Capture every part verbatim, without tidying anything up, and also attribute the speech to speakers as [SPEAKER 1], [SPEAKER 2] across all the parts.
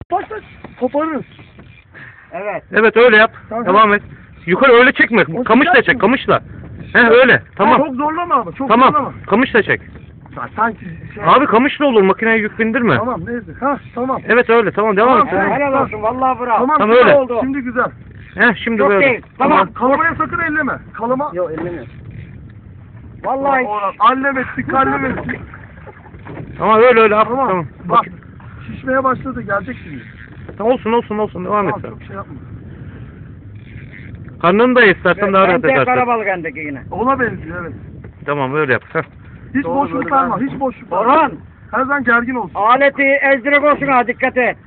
[SPEAKER 1] Başla koparırız.
[SPEAKER 2] Evet.
[SPEAKER 3] Evet öyle yap.
[SPEAKER 1] Tamam.
[SPEAKER 3] Devam et. Yukarı öyle çekme.
[SPEAKER 1] O
[SPEAKER 3] Kamışla
[SPEAKER 1] sıcak
[SPEAKER 3] çek.
[SPEAKER 1] mı?
[SPEAKER 3] Kamışla. He öyle. Tamam.
[SPEAKER 1] Çok zorlama ama. Çok zorlama.
[SPEAKER 3] Tamam. Kamışla çek.
[SPEAKER 1] Ya, sanki şey...
[SPEAKER 3] Abi kamışla olur. Makineye yük bindirme.
[SPEAKER 1] Tamam neyse. Ha tamam.
[SPEAKER 3] Evet öyle. Tamam devam et.
[SPEAKER 1] Tamam.
[SPEAKER 2] He, helal olsun vallahi bravo.
[SPEAKER 1] Tamam,
[SPEAKER 3] Tamam,
[SPEAKER 1] güzel
[SPEAKER 3] öyle.
[SPEAKER 1] oldu. Şimdi güzel.
[SPEAKER 3] He şimdi
[SPEAKER 2] Yok
[SPEAKER 3] böyle.
[SPEAKER 2] değil. Tamam.
[SPEAKER 1] Kalamaya sakın elleme. Kalama.
[SPEAKER 2] Yok ellemiyorum. Vallahi.
[SPEAKER 1] Orhan, allem ettik, kallem ettik.
[SPEAKER 3] Tamam öyle öyle. Tamam.
[SPEAKER 1] Tamam.
[SPEAKER 3] Tamam.
[SPEAKER 1] Bak.
[SPEAKER 3] Bak.
[SPEAKER 1] Şişmeye başladı. Gelecek şimdi.
[SPEAKER 3] Tamam, olsun olsun olsun. Devam et
[SPEAKER 1] Tamam,
[SPEAKER 3] sen.
[SPEAKER 1] çok şey yapma.
[SPEAKER 3] Karnını da istersen daha rahat
[SPEAKER 2] Bence
[SPEAKER 3] edersin.
[SPEAKER 2] karabalık endeki yine.
[SPEAKER 1] Ona benziyor evet.
[SPEAKER 3] Tamam öyle yap. Heh.
[SPEAKER 1] Hiç
[SPEAKER 2] Doğru,
[SPEAKER 1] boşluk
[SPEAKER 2] böyle
[SPEAKER 1] verme.
[SPEAKER 2] ben-
[SPEAKER 1] Hiç boşluk verme.
[SPEAKER 2] Orhan.
[SPEAKER 1] Her zaman gergin olsun.
[SPEAKER 2] Aleti ezdirek olsun ha dikkat et.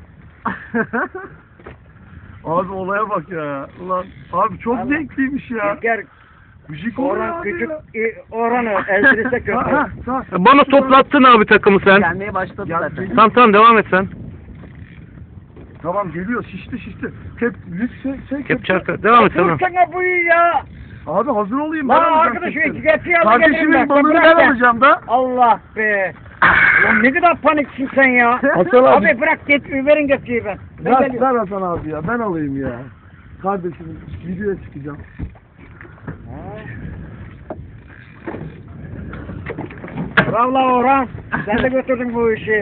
[SPEAKER 1] Abi olaya bak ya. Ulan abi çok
[SPEAKER 2] Allah.
[SPEAKER 1] zevkliymiş ya.
[SPEAKER 2] Gel
[SPEAKER 1] Müzik oluyor
[SPEAKER 2] Orhan
[SPEAKER 1] abi
[SPEAKER 2] küçük
[SPEAKER 1] ya.
[SPEAKER 2] i- Orhan'ı ezdirirse kötü.
[SPEAKER 1] Ha, ha, ha.
[SPEAKER 3] Bana toplattın abi takımı sen.
[SPEAKER 2] Gelmeye başladı
[SPEAKER 1] Gel-
[SPEAKER 2] zaten.
[SPEAKER 1] geliyor.
[SPEAKER 3] Tamam tamam devam et sen.
[SPEAKER 1] Tamam geliyor şişti şişti. Kep, lüks şey, şey
[SPEAKER 3] Kep çarkı. Devam et tamam.
[SPEAKER 2] Dursana bu iyi ya.
[SPEAKER 1] Abi hazır olayım.
[SPEAKER 2] Lan
[SPEAKER 1] ben alacağım
[SPEAKER 2] arkadaşım
[SPEAKER 1] kepleri.
[SPEAKER 2] iki getir yanına getireyim
[SPEAKER 1] Kardeşimin
[SPEAKER 2] ben.
[SPEAKER 1] balığını
[SPEAKER 2] Bırak
[SPEAKER 1] ben
[SPEAKER 2] ya.
[SPEAKER 1] alacağım da.
[SPEAKER 2] Allah be. Ulan ne kadar paniksin sen ya.
[SPEAKER 1] Hasan abi.
[SPEAKER 2] Abi bırak get verin getiriyi ben. Ben
[SPEAKER 1] Ver,
[SPEAKER 2] geliyorum.
[SPEAKER 1] ver Hasan abi ya ben alayım ya. Kardeşimin videoya çıkacağım.
[SPEAKER 2] Bravo Orhan. Sen de götürdün bu işi.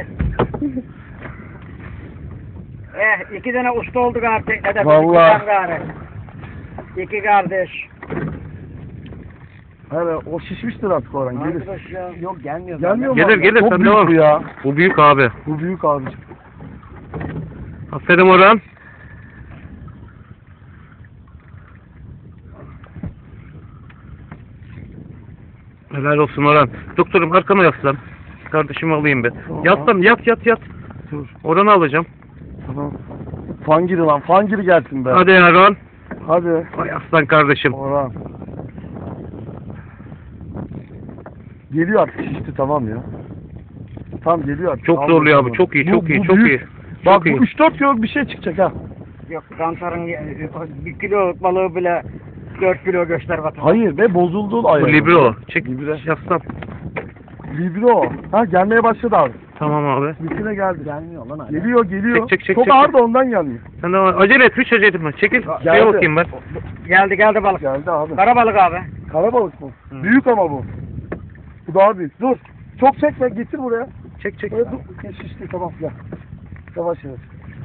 [SPEAKER 2] Eh iki tane usta olduk artık. Ne de
[SPEAKER 1] Vallahi.
[SPEAKER 2] iki tane İki kardeş.
[SPEAKER 1] Hele o şişmiştir artık Orhan gelir.
[SPEAKER 2] Arkadaş ya. Yok gelmiyor.
[SPEAKER 1] Gelmiyor mu?
[SPEAKER 3] Gelir
[SPEAKER 1] abi?
[SPEAKER 3] gelir
[SPEAKER 1] Çok
[SPEAKER 3] sen
[SPEAKER 1] büyük
[SPEAKER 3] devam.
[SPEAKER 1] bu ya.
[SPEAKER 3] Bu büyük abi.
[SPEAKER 1] Bu büyük abicim.
[SPEAKER 3] Aferin Orhan. Helal olsun Orhan. Doktorum arkama yaslan. Kardeşimi alayım bir. Yaslan yat yat yat.
[SPEAKER 1] Dur.
[SPEAKER 3] Orhan'ı alacağım.
[SPEAKER 1] Tamam. Fangiri lan fangiri gelsin be.
[SPEAKER 3] Hadi ya Orhan.
[SPEAKER 1] Hadi.
[SPEAKER 3] Ay aslan kardeşim.
[SPEAKER 1] Orhan. Geliyor artık şişti tamam ya. Tamam geliyor artık.
[SPEAKER 3] Çok
[SPEAKER 1] Aldım,
[SPEAKER 3] zorluyor abi.
[SPEAKER 1] tamam.
[SPEAKER 3] Çok iyi
[SPEAKER 1] Bu-
[SPEAKER 3] çok iyi
[SPEAKER 1] bu
[SPEAKER 3] çok
[SPEAKER 1] büyük.
[SPEAKER 3] iyi.
[SPEAKER 1] Bak
[SPEAKER 3] Çok
[SPEAKER 1] bu
[SPEAKER 3] iyi.
[SPEAKER 1] üç dört kiloluk bir şey çıkacak ha.
[SPEAKER 2] Yok kantarın bir kilo balığı bile dört kilo göster vatan.
[SPEAKER 1] Hayır be bozuldu ayağı.
[SPEAKER 3] Bu libro. Çek.
[SPEAKER 1] Libre.
[SPEAKER 3] Yaslan.
[SPEAKER 1] Libro. Ha gelmeye başladı abi.
[SPEAKER 3] Tamam abi.
[SPEAKER 1] Bütüne geldi.
[SPEAKER 2] Gelmiyor lan hala.
[SPEAKER 1] Geliyor geliyor.
[SPEAKER 3] Çek, çek, çek,
[SPEAKER 1] Çok
[SPEAKER 3] çek.
[SPEAKER 1] ağır da ondan gelmiyor.
[SPEAKER 3] Sen de acele et. Hiç acele etme. Çekil. Şuraya
[SPEAKER 1] Geldi.
[SPEAKER 3] bakayım ben.
[SPEAKER 2] Geldi geldi balık.
[SPEAKER 1] Geldi abi.
[SPEAKER 2] Karabalık abi.
[SPEAKER 1] Karabalık mı?
[SPEAKER 3] Hı.
[SPEAKER 1] Büyük ama bu. Bu daha büyük. Dur. Çok çekme getir buraya.
[SPEAKER 3] Çek çek.
[SPEAKER 1] Buraya dur. Şişti tamam gel. Yavaş yavaş.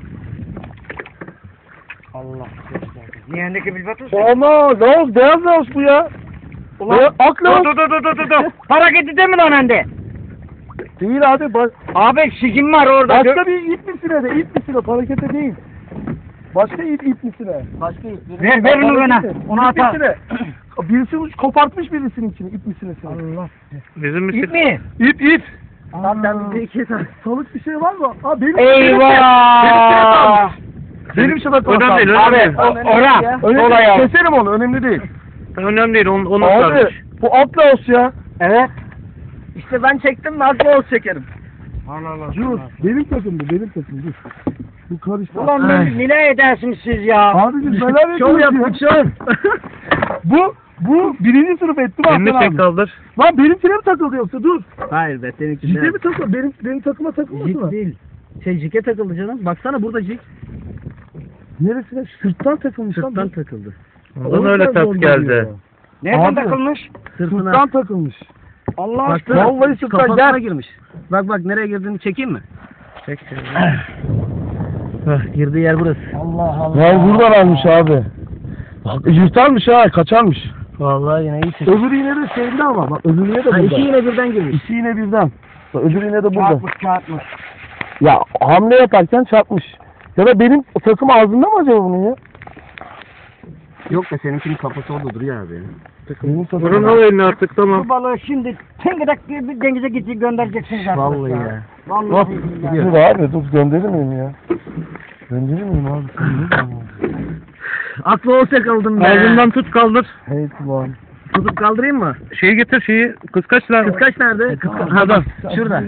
[SPEAKER 2] Allah. Yeğendeki bilbatus.
[SPEAKER 1] Ama laos beyaz laos bu ya.
[SPEAKER 2] Ulan.
[SPEAKER 1] Ulan ak laos.
[SPEAKER 2] Dur dur dur dur dur dur. Hareketi değil mi lan hende?
[SPEAKER 1] Değil abi. Ba
[SPEAKER 2] Abi şişim var orada.
[SPEAKER 1] başka bir ip misine de ip misine harekete değil. Başka ip ip misine.
[SPEAKER 2] Başka ip. Ver ver onu bana. Onu
[SPEAKER 1] ip
[SPEAKER 2] atar.
[SPEAKER 1] misine. Birisi uç- kopartmış birisinin içini ip misinesini.
[SPEAKER 2] Allah.
[SPEAKER 3] Bizim misin?
[SPEAKER 2] İp mi?
[SPEAKER 1] İp ip.
[SPEAKER 2] Lan ben bir iki tane.
[SPEAKER 1] Salık bir şey var mı? Aa benim benim şey-
[SPEAKER 2] Eyvah.
[SPEAKER 1] Benim şabak
[SPEAKER 3] Önemli değil,
[SPEAKER 2] Abi
[SPEAKER 3] önemli değil.
[SPEAKER 2] o- Orhan.
[SPEAKER 1] Önemli
[SPEAKER 2] Sola
[SPEAKER 1] değil.
[SPEAKER 2] ya.
[SPEAKER 1] Keserim onu önemli değil.
[SPEAKER 3] Önemli değil. Onu, onu
[SPEAKER 1] Abi
[SPEAKER 3] sarmış.
[SPEAKER 1] bu Atlas ya.
[SPEAKER 2] Evet.
[SPEAKER 1] İşte ben çektim mi Atlas çekerim.
[SPEAKER 2] Allah Allah.
[SPEAKER 1] Dur benim takımdı benim takım dur. Bu karıştı.
[SPEAKER 2] Ulan ne, ne edersiniz siz ya?
[SPEAKER 1] Abicim neler
[SPEAKER 3] Şov
[SPEAKER 1] yapıyorsun
[SPEAKER 3] yaptık
[SPEAKER 1] ya? bu bu birinci sınıf etti mi
[SPEAKER 3] Elini
[SPEAKER 1] Hasan
[SPEAKER 3] çek
[SPEAKER 1] abi?
[SPEAKER 3] kaldır.
[SPEAKER 1] Lan benimkine mi takıldı yoksa dur.
[SPEAKER 4] Hayır be seninki
[SPEAKER 1] Ciddi mi takıldı? Benim, benim takıma takılmadı
[SPEAKER 4] Jig
[SPEAKER 1] mı?
[SPEAKER 4] değil. Şey jige takıldı canım. Baksana burada jig.
[SPEAKER 1] Neresine? Sırttan takılmış lan.
[SPEAKER 4] Sırttan
[SPEAKER 1] bu.
[SPEAKER 4] takıldı.
[SPEAKER 1] O
[SPEAKER 3] Bana öyle
[SPEAKER 1] yüzden
[SPEAKER 3] tat
[SPEAKER 1] zor
[SPEAKER 3] geldi.
[SPEAKER 1] geliyor.
[SPEAKER 2] Nereden
[SPEAKER 1] Abi.
[SPEAKER 2] takılmış?
[SPEAKER 4] Sırtına.
[SPEAKER 1] Sırttan takılmış.
[SPEAKER 2] Allah
[SPEAKER 4] Baksana.
[SPEAKER 2] aşkına.
[SPEAKER 1] Vallahi sırttan
[SPEAKER 4] Kafasına
[SPEAKER 1] gel.
[SPEAKER 4] girmiş. Bak bak nereye girdiğini çekeyim mi?
[SPEAKER 3] Çek çek.
[SPEAKER 4] Hah, girdiği yer burası.
[SPEAKER 2] Allah Allah.
[SPEAKER 1] Ya buradan almış abi. Bak yırtarmış ha kaçarmış.
[SPEAKER 4] Vallahi yine iyi çekti.
[SPEAKER 1] Öbür iğne de şeyinde ama bak öbür iğne de
[SPEAKER 4] Ha,
[SPEAKER 1] burada.
[SPEAKER 4] iki yine birden girmiş.
[SPEAKER 1] İki iğne birden. Bak, öbür iğne de burada.
[SPEAKER 2] Çarpmış çarpmış.
[SPEAKER 1] Ya hamle yaparken çarpmış. Ya da benim takım ağzında mı acaba bunun ya?
[SPEAKER 4] Yok be seninkinin kafası orada duruyor abi.
[SPEAKER 1] Benim takım.
[SPEAKER 3] Orhan al elini artık tamam.
[SPEAKER 2] Bu balığı şimdi tıngıdak diye bir denize gidip göndereceksiniz artık.
[SPEAKER 4] Vallahi ya.
[SPEAKER 2] Vallahi
[SPEAKER 1] Bak,
[SPEAKER 2] billahi.
[SPEAKER 1] dur abi dur gönderir miyim ya? Gönderir miyim abi? Gönderir miyim?
[SPEAKER 4] Aklı olsa kaldım be.
[SPEAKER 3] Ağzından tut kaldır.
[SPEAKER 1] Hey lan.
[SPEAKER 4] Tutup kaldırayım mı?
[SPEAKER 3] Şeyi getir şeyi. Kıskaç lan.
[SPEAKER 4] Kıskaç nerede? Kıskaç. Ha bak şurada.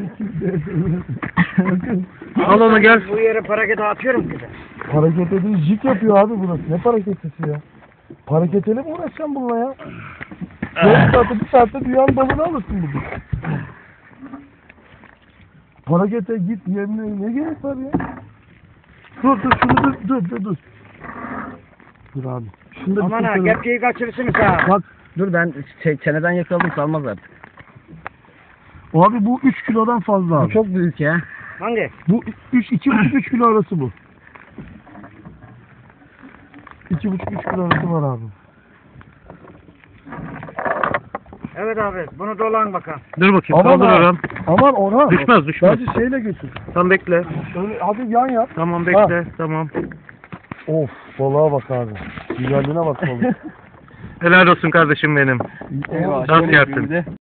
[SPEAKER 3] Al onu gel.
[SPEAKER 2] Bu yere parakete atıyorum ki.
[SPEAKER 1] Hareket ediyor, jig yapıyor abi burası. Ne hareketisi ya? Hareketeli mi uğraşacağım bununla ya? Yarım saatte, bir saatte dünyanın balını alırsın bugün. Harekete git yerine ne gerek var ya? Dur dur şunu dur dur dur dur. Dur abi. Şunu da bir
[SPEAKER 2] Aman ha
[SPEAKER 1] kurtaralım.
[SPEAKER 2] kepçeyi kaçırırsınız ha.
[SPEAKER 1] Bak
[SPEAKER 4] Dur ben ç- çeneden yakaladım salmaz artık.
[SPEAKER 1] abi bu üç kilodan fazla
[SPEAKER 4] Bu
[SPEAKER 1] abi.
[SPEAKER 4] çok büyük ya.
[SPEAKER 2] Hangi?
[SPEAKER 1] Bu üç iki buçuk üç kilo arası bu. iki buçuk üç kilo arası var abi.
[SPEAKER 2] Evet abi bunu dolan bakalım.
[SPEAKER 3] Dur bakayım.
[SPEAKER 1] Aman
[SPEAKER 3] Kaldır
[SPEAKER 1] ha.
[SPEAKER 3] Orhan.
[SPEAKER 1] Aman Orhan.
[SPEAKER 3] Düşmez, düşmez.
[SPEAKER 1] Bence şeyle götür.
[SPEAKER 3] Tamam bekle.
[SPEAKER 1] Öyle hadi yan yap.
[SPEAKER 3] Tamam bekle. Tamam.
[SPEAKER 1] Of balığa bak abi. Güzelliğine bak balık.
[SPEAKER 3] Helal olsun kardeşim benim.
[SPEAKER 1] Eyvah.
[SPEAKER 3] Nasıl yaptın?